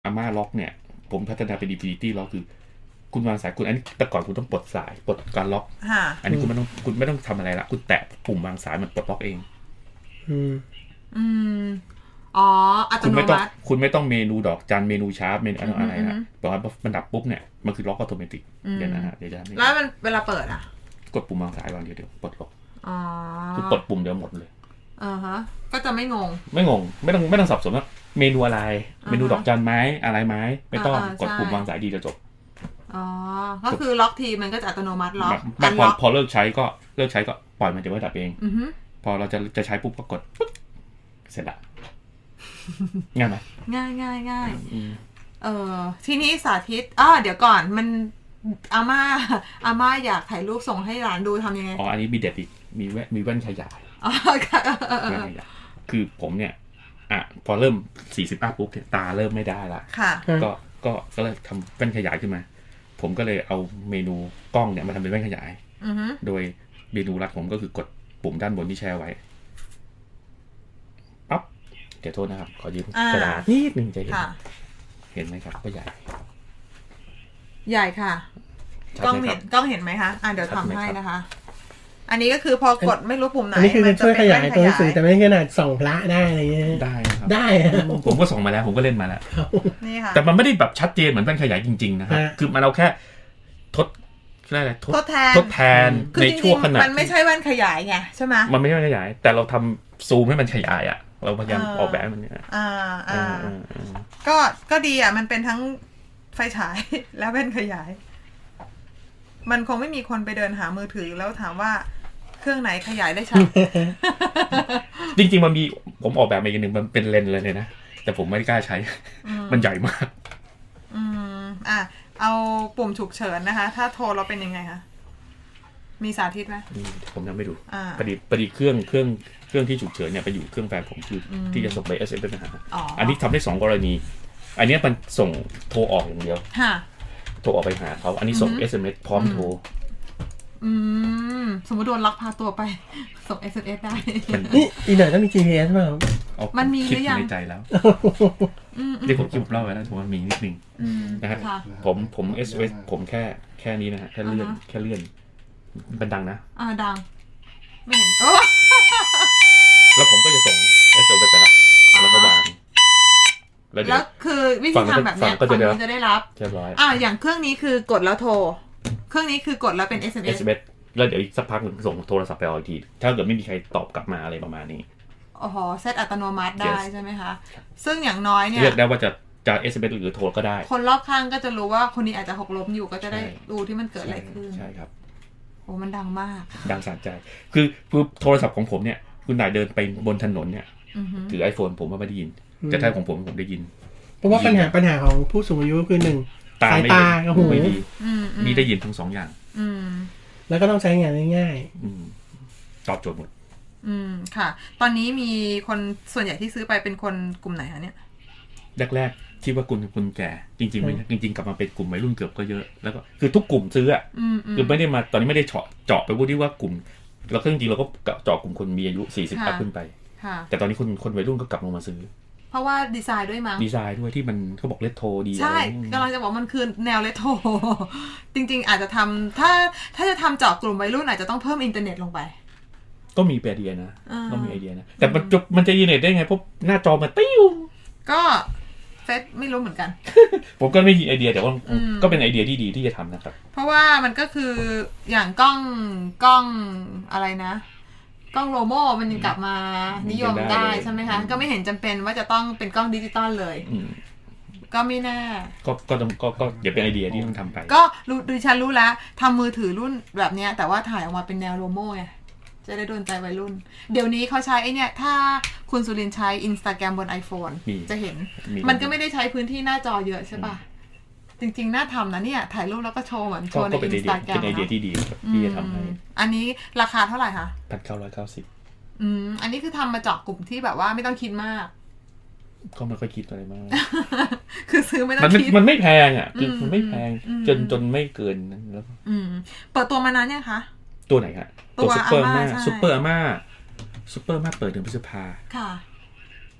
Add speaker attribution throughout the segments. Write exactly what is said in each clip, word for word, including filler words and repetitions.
Speaker 1: อาม่าล็อกเนี่ยผมพัฒนาเป็น Infinity Lock คือคุณวางสายคุณอันนี้แต่ก่อนคุณต้องปลดสายปลดการล็อกอันนี้คุณไม่ต้องคุณไม่ต้องทำอะไรละคุณแตะปุ่มวางสายมันปลดล็อกเอง
Speaker 2: อืม
Speaker 3: อืมอ๋ออัตโนมัติ
Speaker 1: คุณไม่ต้องเมนูดอกจันเมนูชาร์ปเมนูอะไรนะบอกว่ามันดับปุ๊บเนี่ยมันคือล็อกอัตโนมัติเดี๋ยวนะฮะเดี๋ยวจะ
Speaker 3: แล้วมันเวลาเปิดอ่ะ
Speaker 1: กดปุ่มวางสายวางเดียวเดียวปลดล็อก
Speaker 3: อ๋อ
Speaker 1: คือปลดปุ่มเดียวหมดเลย
Speaker 3: อ่าฮะก็จะไม่งง
Speaker 1: ไม่งงไม่ต้องไม่ต้องสับสนว่าเมนูอะไรเมนูดอกจันไม้อะไรไม้ไม่ต้องกดปุ่มวางสายดีจะจบ
Speaker 3: อ๋อก็คือล็อกทีมันก็จะอัตโนมัติล็อก
Speaker 1: พอพอเลิกใช้ก็เลิกใช้ก็ปล่อยมันจะไม่ดับเองพอเราจะจะใช้ปุ๊บก็กดปุ๊บเสร็จละง่ายไหม
Speaker 3: ง่ายง่ายง่ายเออทีนี้สาธิตอ้อเดี๋ยวก่อนมันอาม่าอาม่าอยากถ่ายรูปส่งให้หลานดูทำยังไง
Speaker 1: อ๋ออันนี้มีเด็ดอีกมีแว่นมีแว่นขยาย
Speaker 3: อ๋อค่ะ
Speaker 1: แว่นขยายคือผมเนี่ยอ่ะพอเริ่มสี่สิบอัพปุ๊บตาเริ่มไม่ได้ละ
Speaker 3: ค่ะ
Speaker 1: ก็ก็ก็เลยทำแว่นขยายขึ้นมาผมก็เลยเอาเมนูกล้องเนี่ยมาทำเป็นแว่นขยายโดยเมนูรัดผมก็คือกดปุ่มด้านบนที่แชร์ไว้ปั๊บเดี๋ยวโทษนะครับขอยืมกระดาษนิดนึงจะเห็นเห็นไหมครับก็ใหญ่
Speaker 3: ใหญ่ค่ะกล้องเห็นกล้องเห็นไหมคะอ่ะเดี๋ยวทำให้นะคะอันนี้ก็คือพอกดไม่รู้ปุ่มไหน
Speaker 2: อันนี้คือช่วยขยายตัวหนังสือแต่ไม่ขนาดส่องพระได้อะไรเงี้ย
Speaker 1: ได้ครับ
Speaker 2: ได้
Speaker 1: ผมก็ส่องมาแล้วผมก็เล่นมาแล้ว
Speaker 3: นี่ค่ะ
Speaker 1: แต่มันไม่ได้แบบชัดเจนเหมือนแว่นขยายจริงๆนะครับคือมันเอาแค่ทดอะไร
Speaker 3: ทดแทน
Speaker 1: ทดแทนในช่วงขณะ
Speaker 3: มันไม่ใช่แว่นขยายไงใช่ไหม
Speaker 1: มันไม่ใช่แว่นขยายแต่เราทำซูมให้มันขยายอ่ะเราพยายามออกแบบมันเนี่ย
Speaker 3: อ่าอ่าก็ก็ดีอ่ะมันเป็นทั้งไฟฉายและแว่นขยายมันคงไม่มีคนไปเดินหามือถือแล้วถามว่าเครื่องไหนขยายได้ชัด
Speaker 1: จริงๆมันมีผมออกแบบมาอีกนึงมันเป็นเลนส์เลยนะแต่ผมไม่กล้าใช้มันใหญ่มาก
Speaker 3: อืมอ่ะเอาปุ่มฉุกเฉินนะคะถ้าโทรเราเป็นยังไงคะมีสาธิตไหม
Speaker 1: ผมยังไม่ดูประดิษฐ์ประดิษฐ์เครื่องเครื่องเครื่องที่ฉุกเฉินเนี่ยไปอยู่เครื่องแฟนผมคือที่จะส่งไป เอส เอ็ม เอส ไปหาอันนี้ทำได้สองกรณีอันนี้มันส่งโทรออกอย่างเดียวโทรออกไปหาเขาอันนี้ส่ง เอส เอ็ม เอส พร้อมโทร
Speaker 3: อืมสมมติโดนลักพาตัวไปส่ง เอส เอ็ม เอส ได้
Speaker 2: นี่อีกหน่อยต้องมี จี พี เอส มั้ย
Speaker 3: มันมีหรือยัง
Speaker 1: ในใจแล้วที่ผมคิดผมเล่าไว้แล้วผมว่ามีนิดนึงนะฮะผมผม เอส เอ็ม เอส ผมแค่แค่นี้นะฮะแค่เลื่อนแค่เลื่อนมันดังนะ
Speaker 3: อ่าดังไม่เห็นโอ้
Speaker 1: แล้วผมก็จะส่ง เอส เอ็ม เอส ไปแล้วแล้วก็วาง
Speaker 3: แล้วคือวิธีทำแบบนี้ฝั่งนู้นจะได้รับ
Speaker 1: เรียบร้อย
Speaker 3: อ่าอย่างเครื่องนี้คือกดแล้วโทรเครื่องนี้คือกดแล้วเป็น เอส เอ็ม เอส
Speaker 1: แล้วเดี๋ยวอีกสักพักนึงส่งโทรศัพท์ไปเอาอีกทีถ้าเกิดไม่มีใครตอบกลับมาอะไรประมาณนี้
Speaker 3: อ๋อเซตอัตโนมัติได้ใช่ไหมคะซึ่งอย่างน้อยเนี่ย
Speaker 1: เลือกได้ว่าจะจะ เอส เอ็ม เอส หรือโทรก็ได้
Speaker 3: คนรอบข้างก็จะรู้ว่าคนนี้อาจจะหกล้มอยู่ก็จะได้ดูที่มันเกิดอะไรขึ้น
Speaker 1: ใช่ครับ
Speaker 3: โอ้มันดังมาก
Speaker 1: ดังสะใจคือคือโทรศัพท์ของผมเนี่ยคุณนายเดินไปบนถนนเนี่ยถือ iPhone ผมว่าไม่ได้ยินแต่ถ้าของผมผมได้ยิน
Speaker 2: เพราะว่าปัญหาปัญหาของผู้สูงอายุคือหนึ่ง
Speaker 1: ตาไม่ดีไม่ดีมีได้ยินทั้งสองอย่าง
Speaker 2: แล้วก็ต้องใช้งานง่าย
Speaker 1: ๆตอบโจทย์หมด
Speaker 3: อืมค่ะตอนนี้มีคนส่วนใหญ่ที่ซื้อไปเป็นคนกลุ่มไหนคะเนี่ย
Speaker 1: แรกๆคิดว่ากลุ่มคนแก่จริงๆไม่จริงๆกลับมาเป็นกลุ่มวัยรุ่นเกือบก็เยอะแล้วก็คือทุกกลุ่มซื้ออ่ะคือไม่ได้มาตอนนี้ไม่ได้เจาะเจาะไปพูดที่ว่ากลุ่มแล้วก็จริงๆเราก็เจาะกลุ่มคนมีอายุสี่สิบอัพขึ้นไปแต่ตอนนี้คนคนวัยรุ่นก็กลับลงมาซื้อ
Speaker 3: เพราะว่าดีไซน์ด้วยมั้ง
Speaker 1: ดีไซน์ด้วยที่มันเขาบอกเลโทรดี
Speaker 3: ใช่กำลังจะบอกมันคือแนวเลโทรจริงๆอาจจะทำถ้าถ้าจะทำเจาะกลุ่มวัยรุ่นอาจจะต้องเพิ่มอินเทอร์เน็ตลงไป
Speaker 1: ก็มีไอเดียนะก็มีไอเดียนะแต่มันจะมันจะอินเทอร์เน็ตได้ไงเพราะหน้าจอมันติ้ว
Speaker 3: ก็เฟซไม่รู้เหมือนกัน
Speaker 1: ผมก็ไม่มีไอเดียแต่ว่าก็เป็นไอเดียที่ดีที่จะทำนะครับ
Speaker 3: เพราะว่ามันก็คืออย่างกล้องกล้องอะไรนะกล้องโลโม่มันยังกลับมานิยมได้ใช่ไหมคะก็ไม่เห็นจำเป็นว่าจะต้องเป็นกล้องดิจิตอลเลยก็ไม่แน่
Speaker 1: ก็ก็ต้องก็ก็อย่าเป็นไอเดียที่ต้องทำไป
Speaker 3: ก็รู้ดิฉันรู้แล้วทำมือถือรุ่นแบบนี้แต่ว่าถ่ายออกมาเป็นแนวโลโม่ไงจะได้โดนใจวัยรุ่นเดี๋ยวนี้เขาใช้ไอเนี่ยถ้าคุณสุรินทร์ใช้ Instagram บน iPhone จะเห็นมันก็ไม่ได้ใช้พื้นที่หน้าจอเยอะใช่ป่ะจริงๆน่าทำนะเนี่ยถ่ายรูปแล้วก็โชว์เหมือนโชว์ใน Instagram
Speaker 1: เป็นไอเดียที่ดีที่จะทำให้
Speaker 3: อันนี้ราคาเท่าไหร่คะ
Speaker 1: หนึ่งพันเก้าร้อยเก้าสิบ
Speaker 3: อืมอันนี้คือทำมาเจาะกลุ่มที่แบบว่าไม่ต้องคิดมาก
Speaker 1: ก็ไม่ค่อยคิดอะไรมาก
Speaker 3: คือซื้อไม่ต้องคิด
Speaker 1: มันไม่แพงอ่ะคือมันไม่แพงจนจนไม่เกินนั้นแล้ว
Speaker 3: อืมเปิดตัวมานานยังคะ
Speaker 1: ตัวไหนคะตัวซุปเปอร์อาม่าซุปเปอร์อาม่าซุปเปอร์อาม่าเปิดเดือนพฤษภา
Speaker 3: ค่ะ
Speaker 1: เ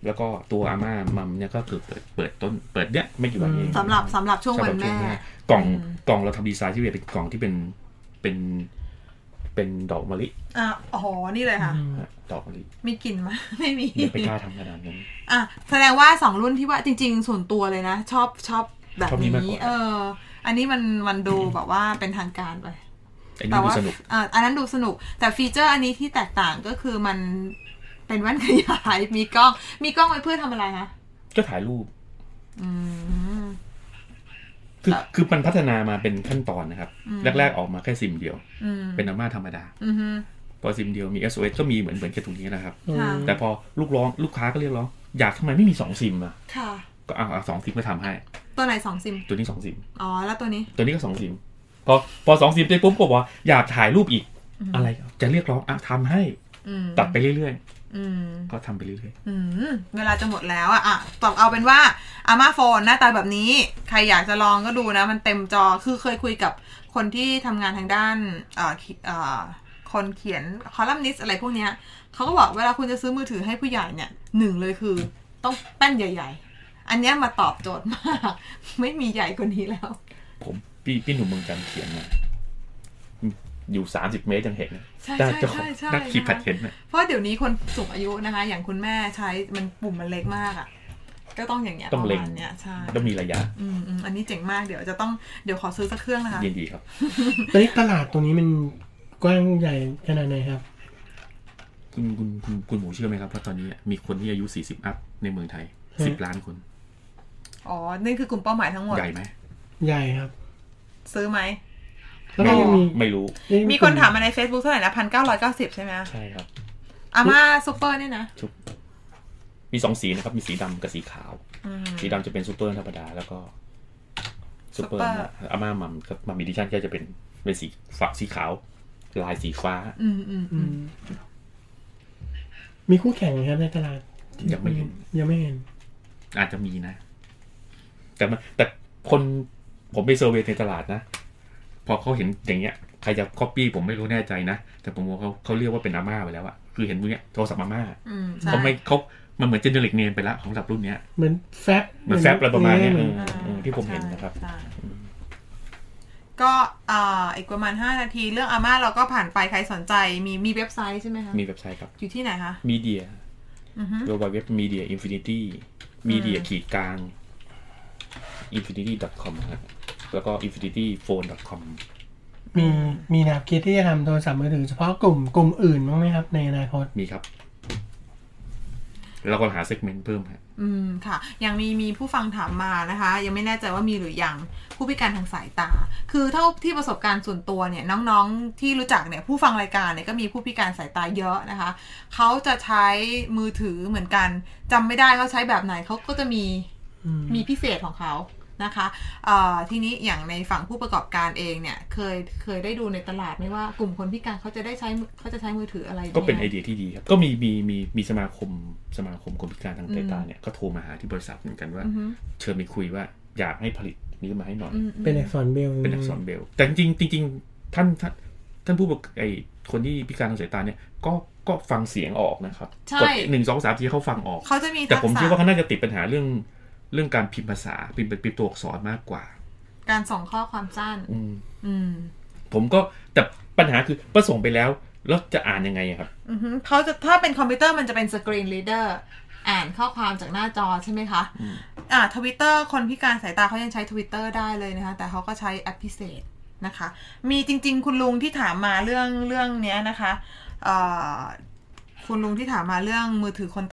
Speaker 1: แล้วก็ตัวอาม่ามัมเนี่ยก็คือเปิดเปิดต้นเปิดเนี้ยไม่กี่วันเอง
Speaker 3: สำหรับสำหรับช่วงวันแม่
Speaker 1: กล่องกล่องเราทำดีไซน์ที่เป็นกล่องที่เป็นเป็นเป็นดอกมะลิ
Speaker 3: อ่ะอ๋อนี่เลยค่ะ
Speaker 1: ดอกมะลิ
Speaker 3: มีกลิ่นไหมไม่มี
Speaker 1: ไม่กล้าทำขนาดนั้น
Speaker 3: อ่ะแสดงว่าสองรุ่นที่ว่าจริงๆส่วนตัวเลยนะชอบชอบแบบนี้เอออันนี้มันมันดูแบบว่าเป็นทางการไป
Speaker 1: แต่ว่า
Speaker 3: อ่าอันนั้นดูสนุกแต่ฟีเจอร์อันนี้ที่แตกต่างก็คือมันเป็นแว่นขยายมีกล้องมีกล้องไว้เพื่อทำอะไรคะ
Speaker 1: ก็ถ่ายรูปอืมคือคือมันพัฒนามาเป็นขั้นตอนนะครับแรกๆออกมาแค่ซิมเดียวเป็นอาม่าธรรมดาพอซิมเดียวมี เอส โอ เอส ก็มีเหมือนเหมือนแค่ตรงนี้นะครับแต่พอลูกร้องลูกค้าก็เรียกร้องอยากทำไมไม่มีสองซิมอ่ะก็เอาสองซิมก็ทำให้
Speaker 3: ตัวไหนสองซิม
Speaker 1: ตัวนี้สองซิม
Speaker 3: อ๋อแล้วตัวนี้
Speaker 1: ตัวนี้ก็สองซิมพอพอสองซิมเสร็จปุ๊บก็บอกอยากถ่ายรูปอีกอะไรจะเรียกร้องอ่ะทำให้ตัดไปเรื่อยๆก็ทำไปเรื่อย
Speaker 3: ๆเวลาจะหมดแล้วอ่ะอ่ะตอบเอาเป็นว่าอาม่าโฟนหน้าตาแบบนี้ใครอยากจะลองก็ดูนะมันเต็มจอคือเคยคุยกับคนที่ทำงานทางด้านเอ่อเอ่อคนเขียนคอลัมนิสต์อะไรพวกเนี้ยเขาก็บอกเวลาคุณจะซื้อมือถือให้ผู้ใหญ่เนี่ยหนึ่งเลยคือต้องแป้นใหญ่ๆอันนี้มาตอบโจทย์มากไม่มีใหญ่กว่านี้แล้ว
Speaker 1: ผมพี่พี่หนุ่มเมืองจันทร์เขียนมาอยู่สามสิบเมตรยังเห็น
Speaker 3: ใช่ใช่ใช่
Speaker 1: นักขีดแพดเห็นนะ
Speaker 3: เพราะเดี๋ยวนี้คนสูงอายุนะคะอย่างคุณแม่ใช้มันปุ่มมันเล็กมากอ่ะก็ต้องอย่างเงี้ยประมาณเนี้ยใช่
Speaker 1: ต้องมีระยะ
Speaker 3: อืมอืมอันนี้เจ๋งมากเดี๋ยวจะต้องเดี๋ยวขอซื้อสักเครื่องนะคะ
Speaker 1: ยินดีครับ
Speaker 2: ตอนนี้ตลาดตรงนี้มันกว้างใหญ่ขนาดไหนครับ
Speaker 1: คุณคุณคุณคุณหมูเชื่อไหมครับว่าตอนนี้มีคนที่อายุสี่สิบอัพในเมืองไทยสิบล้านคน
Speaker 3: อ๋อนี่คือกลุ่มเป้าหมายทั้งหมด
Speaker 1: ใหญ่ไหม
Speaker 2: ใหญ่ครับ
Speaker 3: ซื้อไหม
Speaker 1: ไม่รู้ไม่รู้
Speaker 3: มีคนถามมาใน Facebook เท่าไหร่นะ หนึ่งพันเก้าร้อยเก้าสิบ ใช่ไหม
Speaker 1: ใช่ครับ
Speaker 3: อาม่าซุปเปอร์เนี่ยนะ
Speaker 1: มีสองสีนะครับมีสีดำกับสีขาวสีดำจะเป็นซุปเปอร์ธรรมดาแล้วก็ซุปเปอร์อาม่ามัมกับมัมอีดิชั่นก็จะเป็นเป็นสีฟ้าสีขาวลายสีฟ้า
Speaker 3: อืมอืมอืม
Speaker 2: มีคู่แข่งไหมครับในตลาด
Speaker 1: ยังไม่เห็น
Speaker 2: ยังไม่เห็น
Speaker 1: อาจจะมีนะแต่แต่คนผมไปเซอร์เวย์ในตลาดนะพอเขาเห็นอย่างเงี้ยใครจะก๊อปปี้ผมไม่รู้แน่ใจนะแต่ผมว่าเขาเขาเรียกว่าเป็นอาม่าไปแล้วอะคือเห็นพวกเนี้ยโทรศัพท์อาม่าเขาไม่เขามันเหมือนเจเนริกเนมไปละของระดับรุ่นเนี้ย
Speaker 2: เหมือนแฟบ
Speaker 1: เหมือนแฟบอะไรประมาณนี้ที่ผมเห็นนะครับ
Speaker 3: ก็อ่าอีกประมาณห้านาทีเรื่องอาม่าเราก็ผ่านไปใครสนใจมีมีเว็บไซต์ใช่ไหมคะ
Speaker 1: มีเว็บไซต์ครับ
Speaker 3: อยู่ที่ไหนคะ
Speaker 1: Media เว็บเว็บ Media Infinity Media ขีดกลาง อินฟินิตี้ ดอท คอม ครับแล้วก็ อินฟินิตี้โฟน ดอท คอม
Speaker 2: มีมีแนวคิดที่จะทำโทรศัพท์มือถือเฉพาะกลุ่มกลุ่มอื่นบ้างไหมครับในอนาคต
Speaker 1: มีครับแล้วก็หาเซกเมนต์เพิ่มครับ
Speaker 3: อืมค่ะยังมีมีผู้ฟังถามมานะคะยังไม่แน่ใจว่ามีหรือยังผู้พิการทางสายตาคือเท่าที่ประสบการณ์ส่วนตัวเนี่ยน้องๆที่รู้จักเนี่ยผู้ฟังรายการเนี่ยก็มีผู้พิการสายตาเยอะนะคะเขาจะใช้มือถือเหมือนกันจำไม่ได้เขาใช้แบบไหนเขาก็จะมีมีพิเศษของเขานะคะทีนี้อย่างในฝั่งผู้ประกอบการเองเนี่ยเคยเคยได้ดูในตลาดไหมว่ากลุ่มคนพิการเขาจะได้ใช้เขาจะใช้มือถืออะไร
Speaker 1: ก็เป็นไอเดียที่ดีครับก็มีมีมีมีสมาคมสมาคมคนพิการทางสายตาเนี่ยก็โทรมาหาที่บริษัทเหมือนกันว่าเชิญไปคุยว่าอยากให้ผลิตนี้มาให้หน่อย
Speaker 2: เป็นอักษรเบล
Speaker 1: เป็นอักษรเบลแต่จริงจริงท่านท่านท่านผู้ไอคนที่พิการทางสายตาเนี่ยก็ก็ฟังเสียงออกนะครับกดหนึ่งสองสามสี่เขาฟังออก
Speaker 3: เขาจะมี
Speaker 1: แต่ผมคิดว่าเขาน่าจะติดปัญหาเรื่องเรื่องการพิมพ์ภาษาพิมพ์เป็นตัวอักษรมากกว่า
Speaker 3: การส่งข้อความสั้น
Speaker 1: อืมอืมผมก็แต่ปัญหาคือพอส่งไปแล้วแล้วจะอ่านยังไงครับ
Speaker 3: อือฮึเขาจะถ้าเป็นคอมพิวเตอร์มันจะเป็นสกรีนรีดเดอร์อ่านข้อความจากหน้าจอใช่ไหมคะอ่า Twitter คนพิการสายตาเขายังใช้ Twitter ได้เลยนะคะแต่เขาก็ใช้แอปพิเศษนะคะมีจริงๆคุณลุงที่ถามมาเรื่องเรื่องเนี้ยนะคะเอ่อคุณลุงที่ถามมาเรื่องมือถือคน